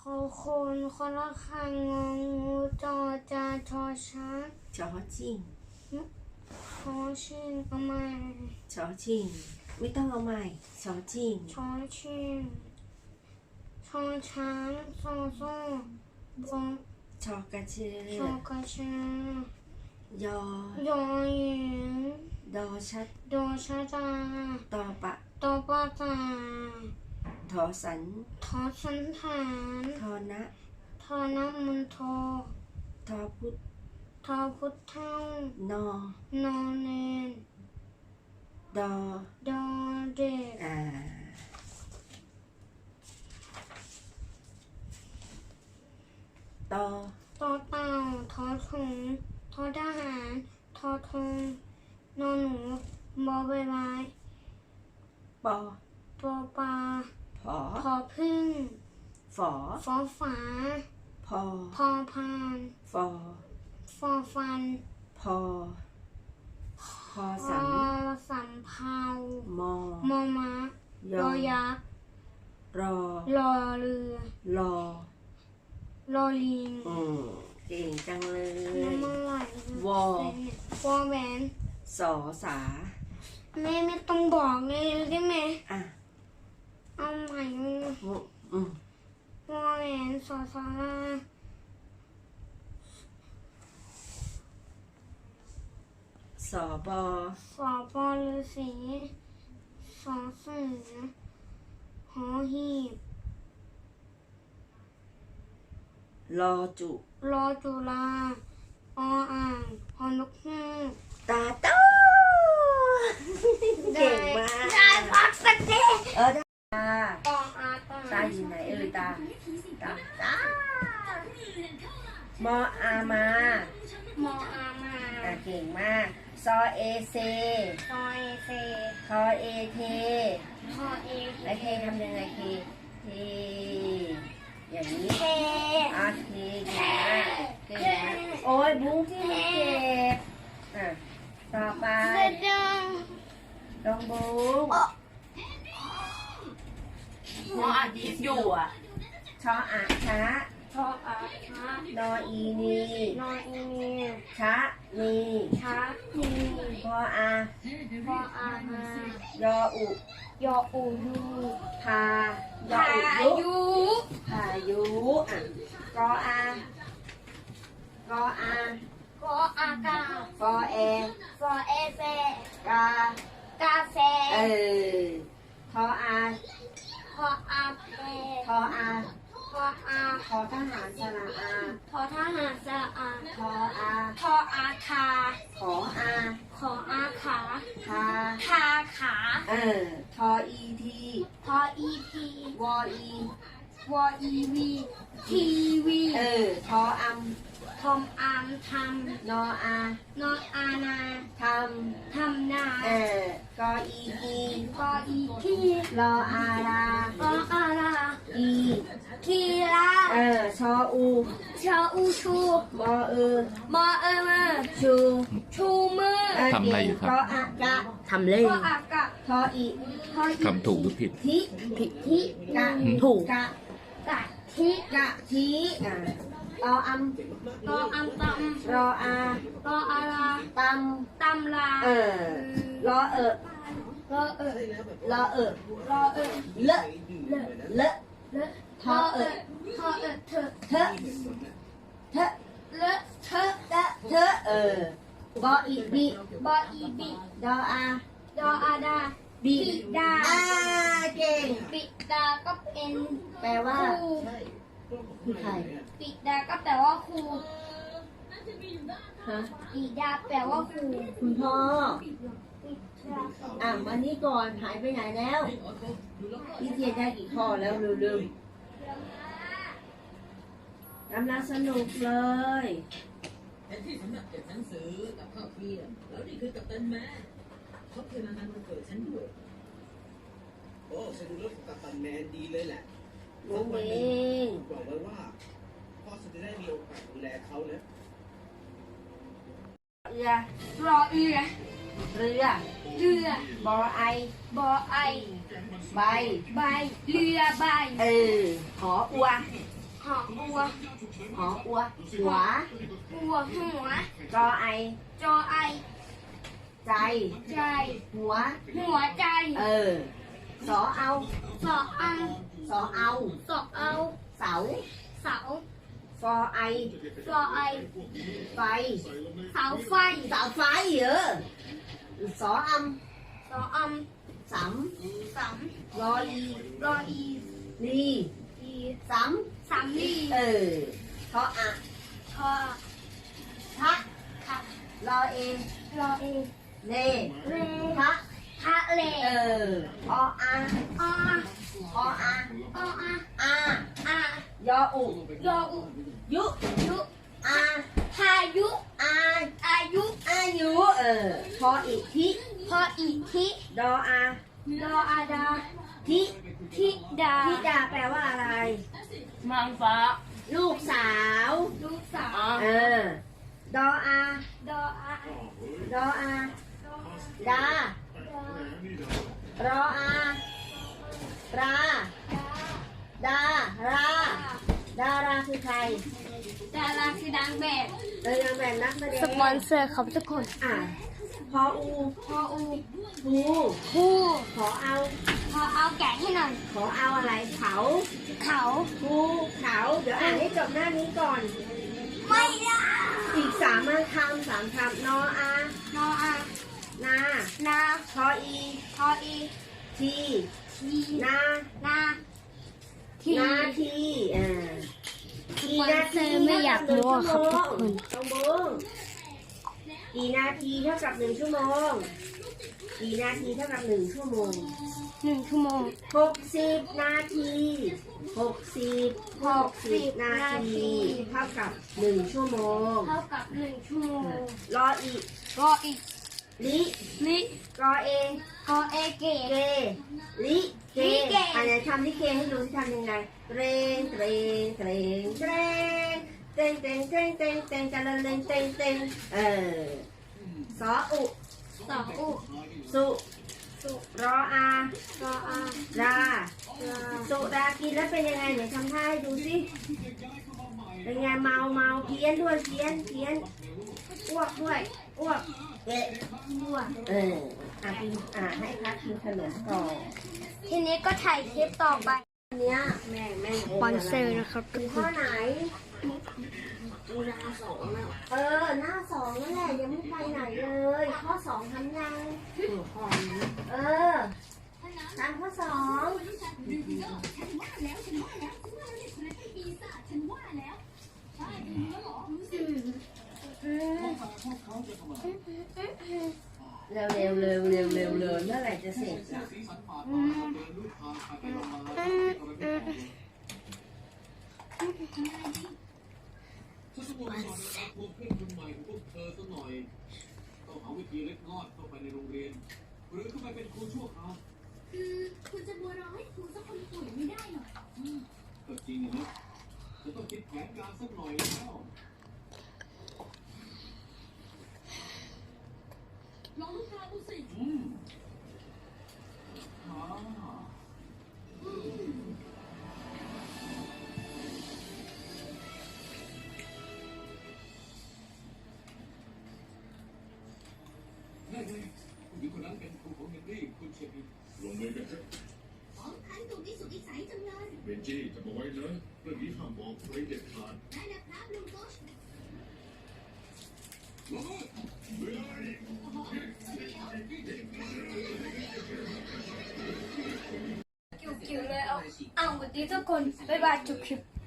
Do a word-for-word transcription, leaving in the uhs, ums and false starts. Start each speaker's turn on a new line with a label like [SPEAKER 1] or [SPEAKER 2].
[SPEAKER 1] อคนคนละคังงองูจอจานชอช้าง
[SPEAKER 2] ชอชิง
[SPEAKER 1] ชอชิงเอาใหม่
[SPEAKER 2] ชอชิงไม่ต้องเอาใหม่ชอชิง
[SPEAKER 1] ชอชิงชอช้างชอโซ่บง
[SPEAKER 2] ชอกระเชือ
[SPEAKER 1] ชอกระชื
[SPEAKER 2] อย
[SPEAKER 1] อยอหญิง
[SPEAKER 2] ดอชัด
[SPEAKER 1] โดชะจา
[SPEAKER 2] ตอปะ
[SPEAKER 1] ตอปะตา
[SPEAKER 2] ทอสัน
[SPEAKER 1] ทอสันฐาน
[SPEAKER 2] ทอนะ
[SPEAKER 1] ทอน้ำมันทอ
[SPEAKER 2] ทอพุท
[SPEAKER 1] ทอพุทธเท่าน
[SPEAKER 2] อน
[SPEAKER 1] อเนน
[SPEAKER 2] ดอ
[SPEAKER 1] ดอเด็ก
[SPEAKER 2] อ่าตอ
[SPEAKER 1] ตอเต่าทอถุงทอทหารทอทงนอหนูบอใบไม้
[SPEAKER 2] ปอ
[SPEAKER 1] ปอปลา
[SPEAKER 2] ผอ
[SPEAKER 1] พอพึ่ง
[SPEAKER 2] ฝอ
[SPEAKER 1] ฟอฝา
[SPEAKER 2] พอ
[SPEAKER 1] พอพาน
[SPEAKER 2] ฟอ
[SPEAKER 1] ฟอฟัน
[SPEAKER 2] พอพอ
[SPEAKER 1] พ
[SPEAKER 2] สั
[SPEAKER 1] อน สำเภาม
[SPEAKER 2] อ
[SPEAKER 1] มอม้า
[SPEAKER 2] ย
[SPEAKER 1] ยอยักษ์
[SPEAKER 2] รอ
[SPEAKER 1] รอเรือ
[SPEAKER 2] รอ
[SPEAKER 1] รอลิง
[SPEAKER 2] อืมเก่งจังเลย
[SPEAKER 1] น้ำมันไหล
[SPEAKER 2] วอ
[SPEAKER 1] วอแหวน
[SPEAKER 2] สอสา
[SPEAKER 1] แม่ไม่ต้องบอกเลยได้ไหม
[SPEAKER 2] อ่ะ
[SPEAKER 1] เอาใหม่
[SPEAKER 2] อืม
[SPEAKER 1] วอแหวนสอสารา
[SPEAKER 2] สอบอ
[SPEAKER 1] สอปอฤาษีสอเสือหอหีบ
[SPEAKER 2] รอจุ
[SPEAKER 1] รอจุฬาออ่างหอนกฮูก
[SPEAKER 2] ตาโตเก่งมาก
[SPEAKER 1] ได้พักสักที
[SPEAKER 2] เออได้ตา
[SPEAKER 1] ตองอาตา
[SPEAKER 2] ตาอยู่ไหนเอ่ยตาตาตามออามาม
[SPEAKER 1] ออามา
[SPEAKER 2] อ่ะเก่งมากซอเอเซ
[SPEAKER 1] ซอเอเซ
[SPEAKER 2] ทอเอเท
[SPEAKER 1] ทอเอ
[SPEAKER 2] แล้วเททำยังไงเทเทอย่างนี้
[SPEAKER 1] เท
[SPEAKER 2] อ่ะเทเก่งมากเก่งมากโอ้ยบุ้งที่มันเจ็บอ่ะต่อไปลองบุ้ง
[SPEAKER 3] หมออาทิตย์อยู่อ่ะ
[SPEAKER 2] ชออะชะ
[SPEAKER 1] ชออาชะ
[SPEAKER 2] นออีนี
[SPEAKER 1] นออีนี
[SPEAKER 2] ชะนี
[SPEAKER 1] ชะนี
[SPEAKER 2] พออา
[SPEAKER 1] พออามาย
[SPEAKER 2] ออุ
[SPEAKER 1] ยออูยู
[SPEAKER 2] พายอ
[SPEAKER 1] พา
[SPEAKER 2] อุยุ
[SPEAKER 1] ยุ
[SPEAKER 2] พายุอ่ะกออากออาก
[SPEAKER 1] ออากา
[SPEAKER 2] ฟอแอ
[SPEAKER 1] ฟอเอเฟ
[SPEAKER 2] กาก
[SPEAKER 1] าแฟ
[SPEAKER 2] เออทออา
[SPEAKER 1] พออาเพ
[SPEAKER 2] ทออา
[SPEAKER 1] พออา
[SPEAKER 2] ทอทหารสระอา
[SPEAKER 1] พอทหารสระอา
[SPEAKER 2] ทออา
[SPEAKER 1] ทออาคา
[SPEAKER 2] ขออา
[SPEAKER 1] ขออาขา
[SPEAKER 2] ทา
[SPEAKER 1] ทาขา
[SPEAKER 2] เออทออีที
[SPEAKER 1] พออีพี
[SPEAKER 2] วออี
[SPEAKER 1] วออีวีทีวี
[SPEAKER 2] เออทออัม
[SPEAKER 1] ทอมอามท
[SPEAKER 2] นออา
[SPEAKER 1] ำนออานา
[SPEAKER 2] ท
[SPEAKER 1] ทำนา
[SPEAKER 2] ำเออกออีกี
[SPEAKER 1] กออีที
[SPEAKER 2] รออารา
[SPEAKER 1] กออารา
[SPEAKER 2] อี
[SPEAKER 1] กีรา
[SPEAKER 2] เออชออู
[SPEAKER 1] ชออูชู
[SPEAKER 2] มอเออ
[SPEAKER 1] มอเอมือ
[SPEAKER 2] ชู
[SPEAKER 1] ชูมือ
[SPEAKER 2] เออ
[SPEAKER 4] ทำอะไรอยู่ครับ
[SPEAKER 2] กออากะ
[SPEAKER 4] ทำเล่
[SPEAKER 1] กออากะ
[SPEAKER 2] ทออี
[SPEAKER 1] ทออี
[SPEAKER 4] ทำถูกหรือผิด
[SPEAKER 2] ทิ
[SPEAKER 1] ผิดที่
[SPEAKER 2] กะ
[SPEAKER 4] ถูก
[SPEAKER 2] กะ
[SPEAKER 1] กะทิ
[SPEAKER 2] กะทีอ่ะรออัม
[SPEAKER 1] กออัมต
[SPEAKER 2] รออา
[SPEAKER 1] ำกออารา
[SPEAKER 2] ต
[SPEAKER 1] ตำลา
[SPEAKER 2] ำเออรอเออ
[SPEAKER 1] รอเออ
[SPEAKER 2] รอเออ
[SPEAKER 1] รอเออ
[SPEAKER 2] เลอะ
[SPEAKER 1] เลอะ
[SPEAKER 2] เลอะ
[SPEAKER 1] เลอะ
[SPEAKER 2] ทอเออ
[SPEAKER 1] ทอเออเธอ
[SPEAKER 2] เทอะเทอะ
[SPEAKER 1] เลอะเธอ
[SPEAKER 2] เทอะเทอะเออบออีบี
[SPEAKER 1] บออีบิ
[SPEAKER 2] ดออา
[SPEAKER 1] ดออาดา
[SPEAKER 2] บี
[SPEAKER 1] บิดา
[SPEAKER 2] อ่าเก่ง
[SPEAKER 1] บิดาก็เป็น
[SPEAKER 2] แปลว่า
[SPEAKER 1] ครู
[SPEAKER 2] คือใคร
[SPEAKER 1] บิดาก็แปลว่าครู
[SPEAKER 2] ฮะ
[SPEAKER 1] บิดาแปลว่าครู
[SPEAKER 2] คุณพ่อ
[SPEAKER 1] บิดา
[SPEAKER 2] อ่ะมานี่ก่อนหายไปไหนแล้วพี่เทียนได้กี่ข้อแล้วลืมๆกำลังสนุกเลย
[SPEAKER 3] แทนที่สำนักเก็บหนังสือกับข้าวเที่ยงแล้วนี่คือกัปตันแมนเขาเคยมางานวันเกิดฉันด้วยโอ้ฉันดูแล้วกัปตันแมนดีเลยแหละ
[SPEAKER 2] ลุงเอง
[SPEAKER 3] บอกไว้ว่าพ่อจะได้มีโอกาสดูแลเขานะ
[SPEAKER 2] เรือ
[SPEAKER 1] รอเอือ
[SPEAKER 2] เรือ
[SPEAKER 1] เรือ
[SPEAKER 2] บอไอบ
[SPEAKER 1] อไอ
[SPEAKER 2] ใบ
[SPEAKER 1] ใบเรือใบ
[SPEAKER 2] เออหออัว
[SPEAKER 1] หหออัว
[SPEAKER 2] หออัวหัว
[SPEAKER 1] อัวหัว
[SPEAKER 2] รอไอ
[SPEAKER 1] จอไอ
[SPEAKER 2] ใจ
[SPEAKER 1] ใจ
[SPEAKER 2] หัว
[SPEAKER 1] หัวใจ
[SPEAKER 2] เออ สอเอา
[SPEAKER 1] สออัง
[SPEAKER 2] สอเอา
[SPEAKER 1] สอเอา
[SPEAKER 2] เสา
[SPEAKER 1] เสา
[SPEAKER 2] ฟอไอ
[SPEAKER 1] ฟอไอ
[SPEAKER 2] ไฟ
[SPEAKER 1] เสาไฟ
[SPEAKER 2] เสาไฟเหรอสออ
[SPEAKER 1] สออัม
[SPEAKER 2] ำส
[SPEAKER 1] สาม
[SPEAKER 2] ำรออี
[SPEAKER 1] รออี
[SPEAKER 2] ลี
[SPEAKER 1] อี
[SPEAKER 2] ส
[SPEAKER 1] สามลี
[SPEAKER 2] ำเออทออะ
[SPEAKER 1] ทอ
[SPEAKER 2] ทะ
[SPEAKER 1] ทะ
[SPEAKER 2] รอเอ
[SPEAKER 1] รอเอ
[SPEAKER 2] เล
[SPEAKER 1] เล
[SPEAKER 2] ทะ
[SPEAKER 1] ทะเล
[SPEAKER 2] เออออา
[SPEAKER 1] ออ
[SPEAKER 2] ออา
[SPEAKER 1] ออา
[SPEAKER 2] อา
[SPEAKER 1] อาย
[SPEAKER 2] ออุ
[SPEAKER 1] ยออุ
[SPEAKER 2] ยุ
[SPEAKER 1] ยุ
[SPEAKER 2] อา
[SPEAKER 1] พายุ
[SPEAKER 2] อา
[SPEAKER 1] อายุ
[SPEAKER 2] อายุเออพออีกทิ
[SPEAKER 1] พออีทิ
[SPEAKER 2] ดออา
[SPEAKER 1] ดออาดา
[SPEAKER 2] ทิ
[SPEAKER 1] ทิดา
[SPEAKER 2] ทิดาแปลว่าอะไร
[SPEAKER 1] มังฟ้า
[SPEAKER 2] ลูกสาว
[SPEAKER 1] ลูกสาว
[SPEAKER 2] เออดออา
[SPEAKER 1] ดออา
[SPEAKER 2] ดออาดา รออาราดารา ดาราคือใคร
[SPEAKER 1] ดาราคือดังแบบ
[SPEAKER 2] เลยนางแบบนักแสดง
[SPEAKER 1] สปอนเซอร์ครับทุกคน
[SPEAKER 2] อ่ะพออู
[SPEAKER 1] พออู
[SPEAKER 2] ภู
[SPEAKER 1] ผู้
[SPEAKER 2] ขอเอา
[SPEAKER 1] พอเอาแกะให้หน่อย
[SPEAKER 2] ขอเอาอะไรเขา
[SPEAKER 1] เขา
[SPEAKER 2] ภูเขาเดี๋ยวอ่านให้จบหน้านี้ก่อน
[SPEAKER 1] ไม่ได้
[SPEAKER 2] อีกสามคำสามคำนออาน
[SPEAKER 1] ออา
[SPEAKER 2] นา
[SPEAKER 1] นา
[SPEAKER 2] ทออี
[SPEAKER 1] ทออี
[SPEAKER 2] ที
[SPEAKER 1] ที
[SPEAKER 2] นา
[SPEAKER 1] นาที
[SPEAKER 2] นาทีอ่า
[SPEAKER 1] สปอนเซอร์ไม่อยากรู้อะครับทุกคน
[SPEAKER 2] ต้องบูงกี่นาทีเท่ากับหนึ่งชั่วโมงกี่นาทีเท่ากับหนึ่งชั่วโมง
[SPEAKER 1] หนึ่งชั่วโมง
[SPEAKER 2] หกสิบนาทีหกสิบหกสิบนาทีเท่ากับหนึ่งชั่วโมง
[SPEAKER 1] เท่ากับหนึ่งชั่วโมง
[SPEAKER 2] รออีก
[SPEAKER 1] รออีก
[SPEAKER 2] ลิ
[SPEAKER 1] ลิ
[SPEAKER 2] รอเอง
[SPEAKER 1] กอเอเก
[SPEAKER 2] เกลิเก
[SPEAKER 1] ลิเก
[SPEAKER 2] อันไหนทำลิเกให้ดูที่ทำยังไงเตรงเตรงเตรงเตรงเตรงเตรงเตรงเตรงเตรงกันเลยเตรงเตรงเตรงเออสออุ
[SPEAKER 1] สออุ
[SPEAKER 2] สุ
[SPEAKER 1] สุ
[SPEAKER 2] รออาร
[SPEAKER 1] ออา
[SPEAKER 2] รา
[SPEAKER 1] รา
[SPEAKER 2] สุรากินแล้วเป็นยังไงไหนทำท่าให้ดูสิเป็นไงเมาเมาเพี้ยนด้วยเพี้ยนเพี้ยนอ้วกด้วยอ้วกเอ๊ะ
[SPEAKER 1] บัว
[SPEAKER 2] เอออ่ะกินอ่ะให้พักกินขนมก่อน
[SPEAKER 1] ทีนี้ก็ถ่ายคลิปต่อไป
[SPEAKER 2] อันเนี้ยแม่แม่
[SPEAKER 1] สปอนเซอร์นะครับทุ
[SPEAKER 2] คื
[SPEAKER 1] ก
[SPEAKER 2] อ
[SPEAKER 1] ค
[SPEAKER 2] ข้อน ไหนดูหน้าสองแล้วเออหน้าสองนั่นแหละยังไม่ไปไหนเลยข้อสองทำยังเออทำข้อสอง เร็วเร็วเร็วเร็วเร็วเร็วเมื่อไหร่จะเสร็จอ่ะ
[SPEAKER 3] ฉันต้องมาสอนนะครับพวกเพื่อนคนใหม่ของพวกเธอสักหน่อยต้องหาวิธีเล็ดลอดเข้าไปในโรงเรียนหรือเข้าไปเป็นครูชั่วคราว
[SPEAKER 4] คือคุณจะบัวรอให้ครูสักคนป่วยไม่ได้หรอก
[SPEAKER 3] ก็จริงนะจะต้องคิดแผนการสักหน่อยแล้ว
[SPEAKER 4] ลองลูกค้าดูสิ
[SPEAKER 3] อืมอ่าได้เลยผู้หญิงคนนั้นเป็นครูของเฮนรี่คุณเชฟ
[SPEAKER 5] ลงมือกันเถอะ
[SPEAKER 4] ของคันถูกที่สุดที่ใสจังเลย
[SPEAKER 5] เบนจี้จำเอาไว้นะเรื่องนี้ห้ามบอกใครเด็ดขาด
[SPEAKER 4] ได้แล้วครับลุงโกช
[SPEAKER 1] คิวๆเลยเอาเอาวันนี้ทุกคนบ๊ายบายจบคลิป